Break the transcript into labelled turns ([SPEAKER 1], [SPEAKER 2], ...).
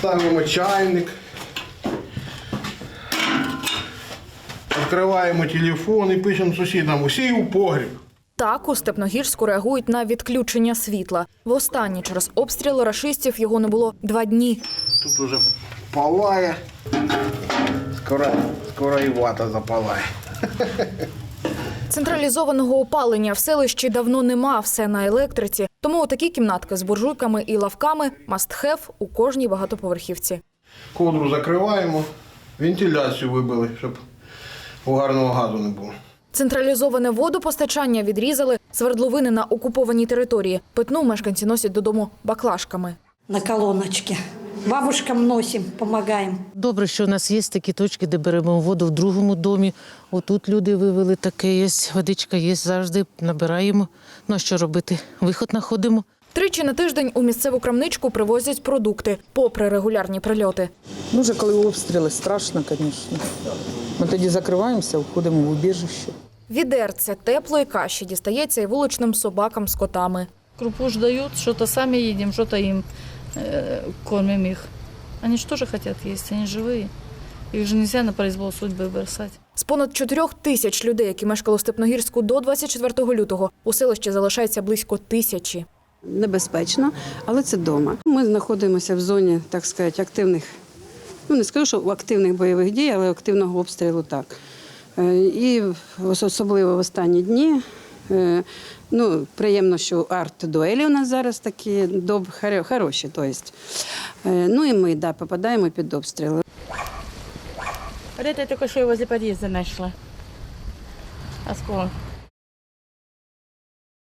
[SPEAKER 1] Ставимо чайник. Відкриваємо телефон і пишемо сусідам: усі у погріб.
[SPEAKER 2] Так у Степногірську реагують на відключення світла. Востаннє через обстріли рашистів його не було 2 дні.
[SPEAKER 1] Тут уже палає. Скоро і вата запалає.
[SPEAKER 2] Централізованого опалення в селищі давно нема, все на електриці. Тому отакі кімнатки з буржуйками і лавками – must-have у кожній багатоповерхівці.
[SPEAKER 1] Ковдру закриваємо, вентиляцію вибили, щоб угарного газу не було.
[SPEAKER 2] Централізоване водопостачання відрізали, свердловини на окупованій території. Питну мешканці носять додому баклажками.
[SPEAKER 3] На колоночці. Бабушкам носимо, допомагаємо.
[SPEAKER 4] Добре, що у нас є такі точки, де беремо воду в другому домі. Отут люди вивели, таке є, водичка є, завжди набираємо. Ну а що робити? Виход знаходимо.
[SPEAKER 2] 3 на тиждень у місцеву крамничку привозять продукти, попри регулярні прильоти.
[SPEAKER 5] Ну, вже коли обстріли, страшно, звісно. Ми тоді закриваємося, входимо в убіжище.
[SPEAKER 2] Відерце теплої каші дістається і вуличним собакам з котами.
[SPEAKER 6] Крупу ж дають, що-то самі їдемо, що-то їм кормимо їх. Вони ж теж хочуть їсти, вони живі. Їх ж не можна на произвол судьби бросати.
[SPEAKER 2] З понад 4 тисяч людей, які мешкали у Степногірську до 24 лютого, у селищі залишається близько 1000.
[SPEAKER 7] Небезпечно, але це вдома. Ми знаходимося в зоні, так сказати, активних, ну не скажу, що активних бойових дій, але активного обстрілу так. І особливо в останні дні, ну, приємно, що арт-дуелі у нас зараз такі хороші. Ну і ми, да, попадаємо під обстріли.
[SPEAKER 6] Вот это я только что возле подъезда нашла. Осколок.